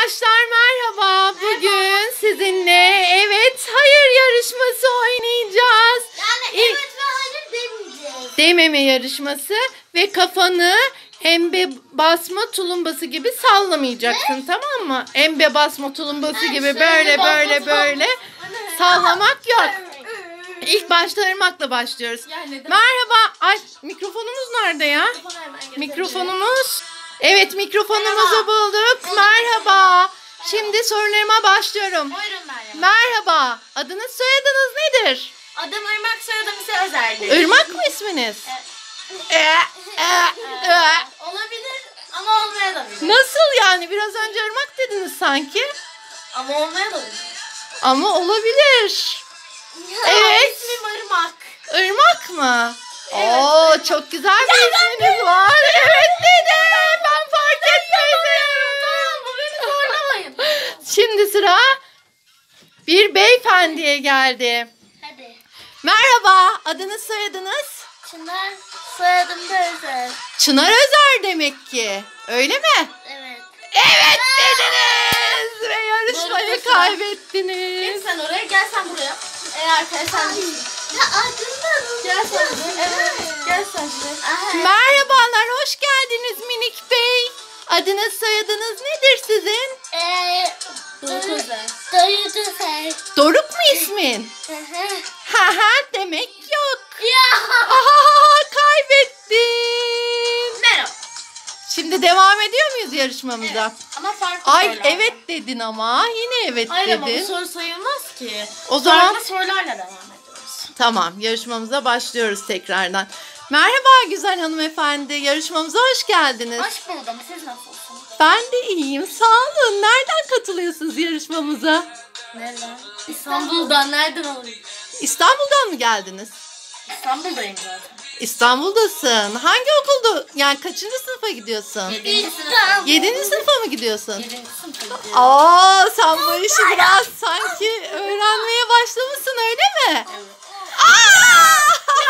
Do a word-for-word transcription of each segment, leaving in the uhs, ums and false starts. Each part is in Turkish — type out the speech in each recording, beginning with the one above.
Arkadaşlar merhaba. Bugün sizinle evet hayır yarışması oynayacağız. Yani İlk... evet ve hayır demeyeceğiz. Dememe yarışması ve kafanı embe basma tulumbası gibi sallamayacaksın, ne? Tamam mı? Embe basma tulumbası yani gibi böyle böyle böyle sallamak yok. İlk başta Irmak'la başlıyoruz. Yani merhaba. Ay mikrofonumuz nerede ya? Mikrofonumuz. Evet mikrofonumuzu bulduk. Merhaba. Şimdi sorularıma başlıyorum. Buyurun Meryem. Merhaba. Adınız soyadınız nedir? Adım Irmak, soyadım ise Özer'di. Irmak mı isminiz? Evet. Ee, e, e. Olabilir ama olmayabilir. Nasıl yani? Biraz önce Irmak dediniz sanki. Ama olmayabilir. Ama olabilir. Evet. İsmim Irmak. Irmak mı? Evet. Oo çok güzel bir isminiz var. Evet dedim. Ben fark etmedim. Tamam bu beni zorlamayın. Şimdi sıra bir beyefendiye geldi. Hadi. Merhaba. Adınız soyadınız? Çınar, soyadım da Özer. Çınar Özer demek ki. Öyle mi? Evet. Evet dediniz. Ve yarışmayı Doğru, kaybettiniz. Git sen oraya, gel sen buraya. Eğer sen değilsin. Ya ardından gel sen buraya. Evet. Gel sen buraya. Merhabalar, hoş geldiniz minik bey. Adınız soyadınız nedir sizin? Eee Doruk Özer. Doruk Özer. Doruk mu ismin? Ha ha demek yok. Ya. Aha kaybettin. Merhaba. Şimdi devam ediyor muyuz yarışmamıza? Evet. Ama farklı Ay sorularla. evet dedin ama yine evet Hayır dedin. ama bu soru sayılmaz ki. O zaman farklı sorularla devam ediyoruz. tamam yarışmamıza başlıyoruz tekrardan. Merhaba güzel hanımefendi, yarışmamıza hoş geldiniz. Hoş buldum. Siz nasılsınız? Ben de iyiyim, sağ olun. Nereden katılıyorsunuz yarışmamıza? Nereden? İstanbul'dan. Nereden oluyor? İstanbul'dan mı geldiniz? İstanbul'dayım zaten. İstanbul'dasın. Hangi okulda? Yani kaçıncı sınıfa gidiyorsun? Yedinci sınıf. Yedinci sınıfa mı gidiyorsun? Yedinci sınıfa gidiyorum. Aa, sen bu işi biraz sanki öğrenmeye başlamışsın öyle mi? Evet. Aa!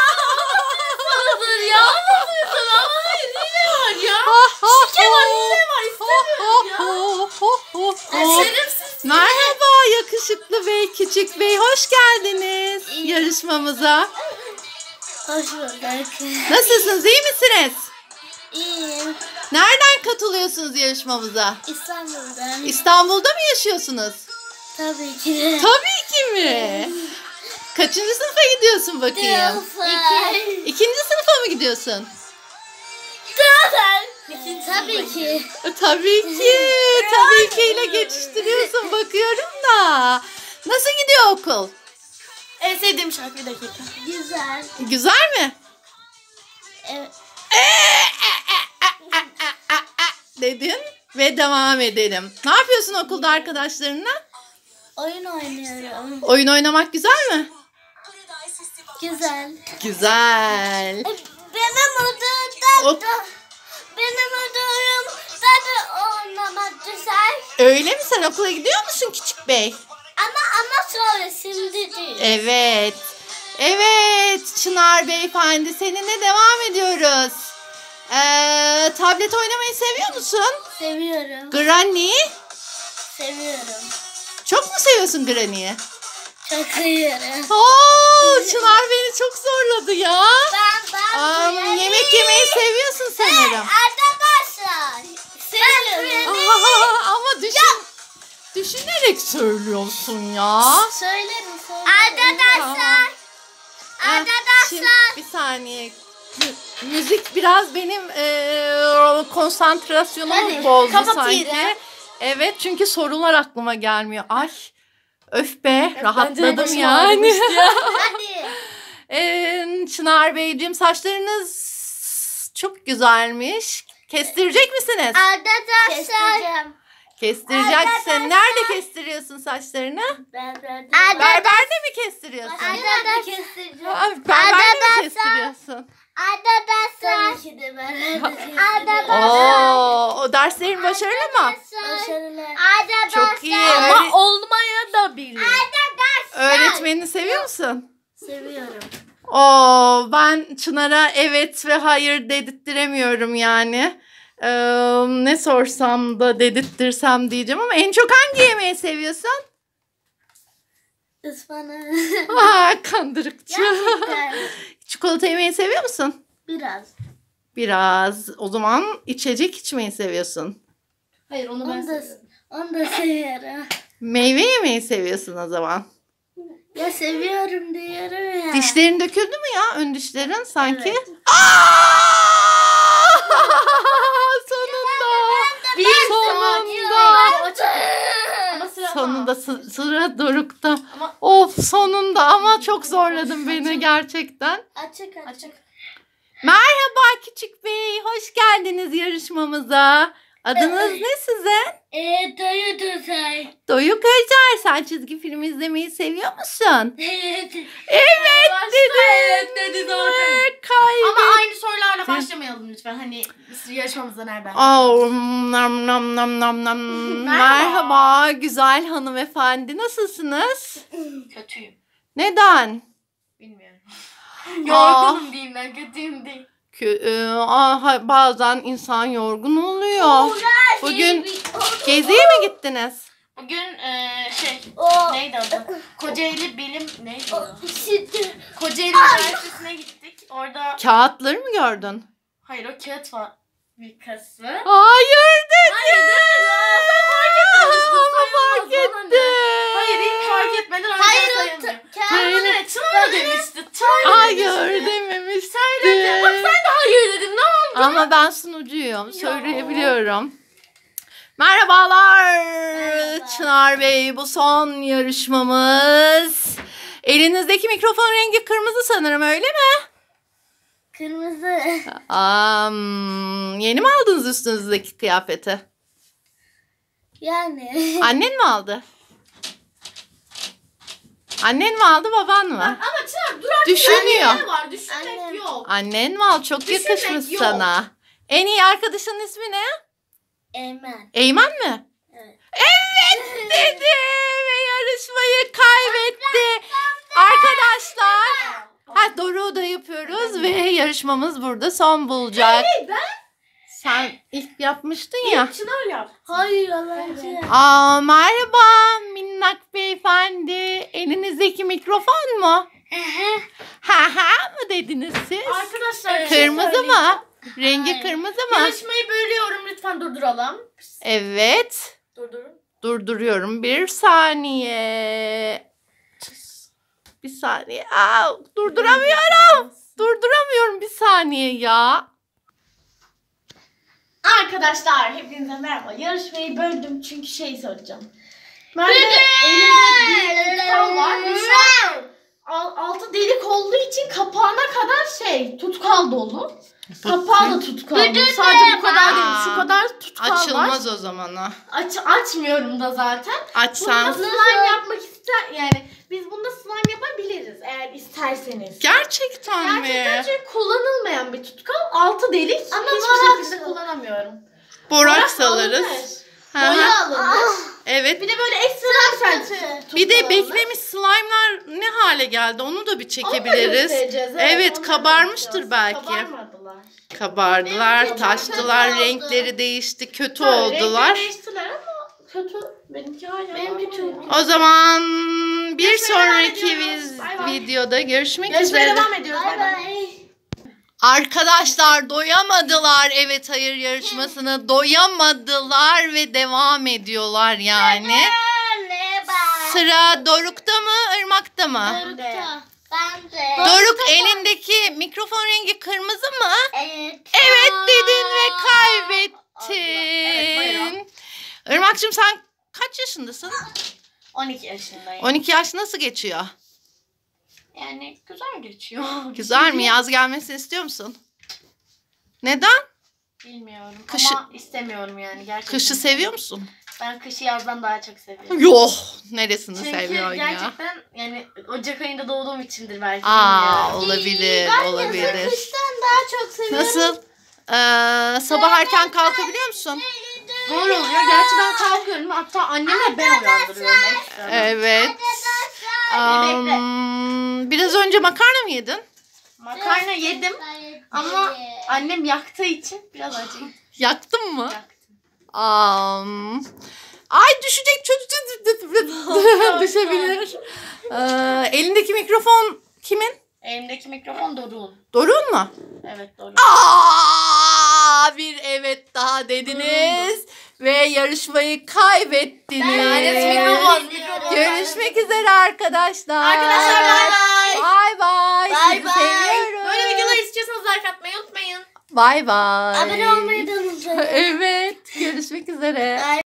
Sabır ya. Anlamıyorsun ama hayır. Hile var ya. Şike var, hile var. İstemiyorum ya. Şerefsiz. Merhaba yakışıklı bey, küçük bey. Hoş geldiniz yarışmamıza. Hoş bulduk. Nasılsınız? İyi misiniz? İyiyim. Nereden katılıyorsunuz yarışmamıza? İstanbul'dan. İstanbul'da mı yaşıyorsunuz? Tabii ki de. Tabii ki mi? Kaçıncı sınıfa gidiyorsun bakayım? İki. İkinci sınıfa mı gidiyorsun? İkinci tabii ki. Tabii ki. Tabii ki ile geçiştiriyorsun bakıyorum da. Nasıl gidiyor okul? En sevdiğim şarkı, bir dakika. Güzel. Güzel mi? Evet. Dedin ve devam edelim. Ne yapıyorsun okulda arkadaşlarınla? Oyun oynuyorum. Oyun oynamak güzel mi? Güzel. Güzel. Benim O- odamda benim odamda oynamak güzel. Öyle mi? Sen okula gidiyor musun küçük bey? Ama ama sonra şimdi değil. Evet. Evet Çınar beyefendi, seninle devam ediyoruz. Ee, tablet oynamayı seviyor musun? Seviyorum. Granny. Seviyorum. Çok mu seviyorsun Granny'yi? Çok seviyorum. Oo, Çınar beni çok zorladı ya. Ben ben Am, yemek yemeyi seviyorsun sanırım. Arkadaşlar. Seviyorum. Aa, ama düşün, düşünerek söylüyorsun ya. Söylerim söylerim. Arkadaşlar. Heh, şimdi Arkadaşlar. bir saniye. Mü- Müzik biraz benim eee konsantrasyonumu Hadi, bozdu kapatayım. sanki. Evet çünkü sorular aklıma gelmiyor. Ay öf be rahatladım yani. Hadi. Ee, Çınar Beyciğim saçlarınız çok güzelmiş. Kestirecek misiniz? Arkadaşlar. Kestireceksin. Nerede kestiriyorsun saçlarını? Arkadaşlar. Berberde mi kestiriyorsun? Arkadaşlar. Aa, Berberde mi Arkadaşlar. kestiriyorsun? Arkadaşlar. Tabii ki de ben. Arkadaşlar. Oo, o derslerin başarılı mı? Başarılı. Çok iyi. Ama Öğre- olmaya da bilir. öğretmenini seviyor musun? Seviyorum. Oo, ben Çınar'a evet ve hayır dedirttiremiyorum yani. Ee, ne sorsam da dedirttirsem diyeceğim ama en çok hangi yemeği seviyorsun? Ispanak. Aa, kandırıkçı. Gerçekten. Çikolata yemeyi seviyor musun? Biraz. Biraz. O zaman içecek içmeyi seviyorsun. Hayır onu ben Onu da, seviyorum. onu da seviyorum. Meyve yemeyi seviyorsun o zaman. Ya seviyorum diyorum ya. Dişlerin döküldü mü ya? Ön dişlerin sanki. Evet. Aa! Sonunda. Bir Sonunda. Ama sıra Sonunda sı- sıra Doruk'ta. Ama Of sonunda ama çok zorladın beni gerçekten. Açık açık. açık. Merhaba küçük bey. Hoş geldiniz yarışmamıza. Adınız ne sizin? Eee dayı dayı. Doyuk Özer. Sen çizgi film izlemeyi seviyor musun? Evet. Evet dedin. Evet dedi zaten. Ve kaybettin. Ama aynı sorularla başlamayalım lütfen. Hani yarışmamızda nereden? Oh, nam nam nam nam nam. Merhaba güzel hanımefendi. Nasılsınız? Kötüyüm. Neden? Bilmiyorum. Aa. Yorgunum diyeyim ben. Kötüyüm değil. Kö- e, aha, bazen insan yorgun oluyor. Bugün geziye mi gittiniz? Bugün eee şey O. neydi adı? Kocaeli Bilim neydi o? Şimdi. Kocaeli Üniversitesi'ne gittik. Orada Kağıtları mı gördün? hayır o kağıt fabrikası. Hayır dedi. Hayır değil. Ama fark etti. Hayır hiç fark etmeden öyle Hayır o sayılmıyor. t- Hayır kağıt. ne? Tuna demişti. Tuna Hayır demişti. dememişti. Söyledi. Bak sen de hayır dedin. Ne oldu? Ama ben sunucuyum. Söyleyebiliyorum. Merhabalar. Merhaba. Çınar Bey bu son yarışmamız. Elinizdeki mikrofon rengi kırmızı sanırım öyle mi? Kırmızı. Am, yeni mi aldınız üstünüzdeki kıyafeti? Yani. Annen mi aldı? Annen mi aldı baban mı? Ama Çınar dur artık. Düşünüyor. Annemler var. Düşünmek Annem. yok. Annen mi aldı? Çok Düşünmek yakışmış yok. sana. En iyi arkadaşının ismi ne? Eymen. Eymen mi? Evet. Evet dedi ve yarışmayı kaybetti. Arkadaşlar. Ha doğru da yapıyoruz ve yarışmamız burada son bulacak. Hey ben Sen ilk yapmıştın ya. Çınar yap. Hayır Allah'ım. Aa, merhaba minnak beyefendi. Elinizdeki mikrofon mu? Ha ha mı dediniz siz? Arkadaşlar bir şey Kırmızı söyleyeceğim. mı? Rengi Hayır. kırmızı mı? Yarışmayı bölüyorum lütfen durduralım. Evet. Durdurun. Durduruyorum. Bir saniye. Bir saniye. Aa, durduramıyorum. Durduramıyorum bir saniye ya. Arkadaşlar hepinize merhaba. Yarışmayı böldüm çünkü şey soracağım. Ben de elimde bir tutkal var ve şu an al- altı delik olduğu için kapağına kadar şey tutkal dolu. Kapağı da tutkal dolu. Sadece bu kadar değil. Şu kadar tutkal var. Açılmaz o zaman o. Aç, açmıyorum da zaten. Bunda Açsan. slime yapmak ister yani biz bunda slime yapabiliriz eğer isterseniz. Gerçekten Gerçekten mi? çünkü kullanılmayan bir tutkal. Altı delik. Ama hiçbir borak şekilde su. kullanamıyorum. Boraks alınır. alırız. Hı hı. Boya alınır. Evet. Bir de böyle ekstra bir tane tutkal Bir de alınır. beklemiş slime'lar ne hale geldi onu da bir Onu da çekebiliriz. göstereceğiz, Evet, onu da kabarmıştır yapacağız. belki. Kabarmadılar. Kabardılar, Benim taştılar, kötü oldu. renkleri değişti, kötü Tabii, oldular. renkleri değiştiler ama kötü. Benimki hala. Benimki normal çok ya. O zaman bir Görüşmeye devam sonraki ediyoruz. biz- Bay bay. videoda görüşmek Yarışmaya üzere. devam ediyoruz. Bay Bay bay. bay. Arkadaşlar doyamadılar evet hayır yarışmasını doyamadılar ve devam ediyorlar yani. Merhaba. Sıra Doruk'ta mı Irmak'ta mı? Doruk'ta. Ben de. Doruk elindeki mikrofon rengi kırmızı mı? Evet. Evet dedin ve Evet, kaybettin. buyurun. Irmak'cığım sen kaç yaşındasın? on iki yaşındayım. on iki yaş nasıl geçiyor? Yani güzel geçiyor. Güzel mi? Yaz gelmesini istiyor musun? Neden? Bilmiyorum Kışı- ama istemiyorum yani gerçekten. Kışı seviyor musun? Ben kışı yazdan daha çok seviyorum. Yok. Neresini Çünkü seviyorsun ya? gerçekten yani Ocak ayında doğduğum içindir belki. Aa bilmiyorum. olabilir, Ben olabilir. yazı kıştan daha çok seviyorum. Nasıl? Ee, sabah erken kalkabiliyor musun? Zor oluyor. Gerçi ben kalkıyorum. Hatta annemle ben uyandırıyorum ekstra. Evet. Am, biraz önce makarna mı yedin? Makarna yedim ama annem yaktığı için biraz acıyım. Yaktın mı? Yaktım. Am. Ay düşecek çocuk düşebilir. Ee, elindeki mikrofon kimin? Elimdeki mikrofon Doruk'un. Doruk'un mu? Evet Doruk. Aa, bir evet daha dediniz ve yarışmayı kaybettiniz. Lanet mikrofon, mikrofon. Görüşmek üzere arkadaşlar. Arkadaşlar bay bay. Bay bay. Bay Sizi bay. seviyorum. Böyle videolar istiyorsanız like atmayı unutmayın. Bay bay. Abone olmayı da unutmayın. Evet. Görüşmek üzere.